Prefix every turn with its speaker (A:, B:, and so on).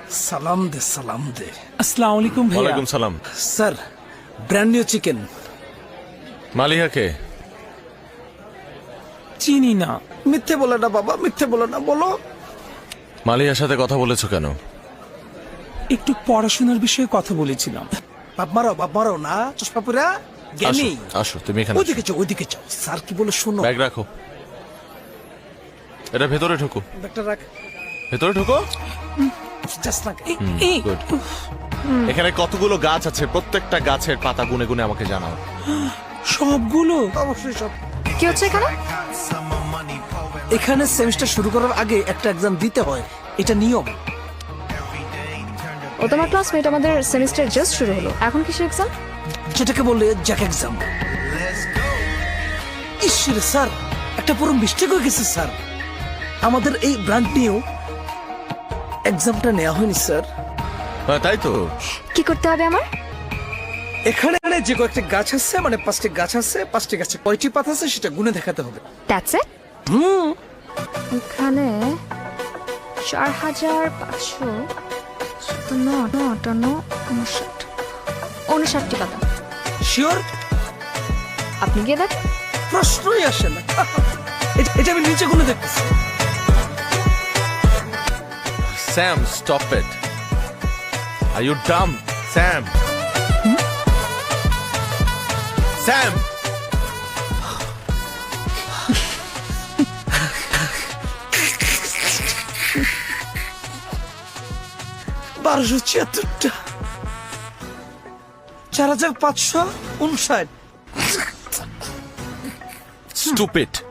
A: সালাম দে সালাম দে।
B: আসসালামু আলাইকুম ভাইয়া।
C: ওয়ালাইকুম সালাম।
A: Sir, brand new chicken.
C: মালিহাকে
B: চিনি না।
A: মিথ্যে বলে না বাবা, মিথ্যে বলে না, বলো।
C: মালিহার সাথে কথা বলেছো কেন?
B: একটু পড়াশোনার বিষয়ে কথা বলেছিলাম।
A: বাপ মারো না, চশমা পুরা জ্ঞানী।
C: আসো তুমি এখানে।
A: ওইদিকে যাও, ওইদিকে যাও। স্যার কি বলে শোনো।
C: ব্যাগ রাখো, এটা ভেতরে ঢোকো,
A: ব্যাগটা রাখ।
C: ভেতরে ঢোকো।
A: জাস্ট না।
C: গুড। এখানে কতগুলো গাছ আছে, প্রত্যেকটা গাছের পাতা গুনে গুনে আমাকে জানাও।
B: সবগুলো?
A: অবশ্যই সব।
D: কি হচ্ছে এখানে?
A: এখানে সেমিস্টার শুরু করার আগে একটা এক্সাম দিতে হয়, এটা নিয়ম।
D: ও তোমার ক্লাসমেট, আমাদের সেমিস্টার জাস্ট শুরু হলো, এখন কিসের এক্সাম?
A: যেটাকে বলে জ্যাক এক্সাম। ঈশ্বরে স্যার, একটা পুরো মিস্টেক হয়ে গেছে স্যার। আমাদের এই ব্রান্ড নিয়েও এক্সামটা নেওয়া হয়নি স্যার।
C: তাই তো।
D: কি করতে হবে আমার?
A: এখানে যে কয়েকটি গাছ আছে, মানে 5টি গাছ আছে, 5টি গাছে কয়টি পাতা আছে সেটা গুনে দেখাতে হবে।
D: That's it? এখানে 4558 পাতা।
A: শিওর?
D: আপনি গিয়ে দেখেন।
A: প্রশ্নই আসে না। এটা আমি নিচে গুনে দেখতেছি।
C: Sam, stop it. Are you dumb Sam? Sam,
A: 1276টা, 4559।
C: স্টুপিড।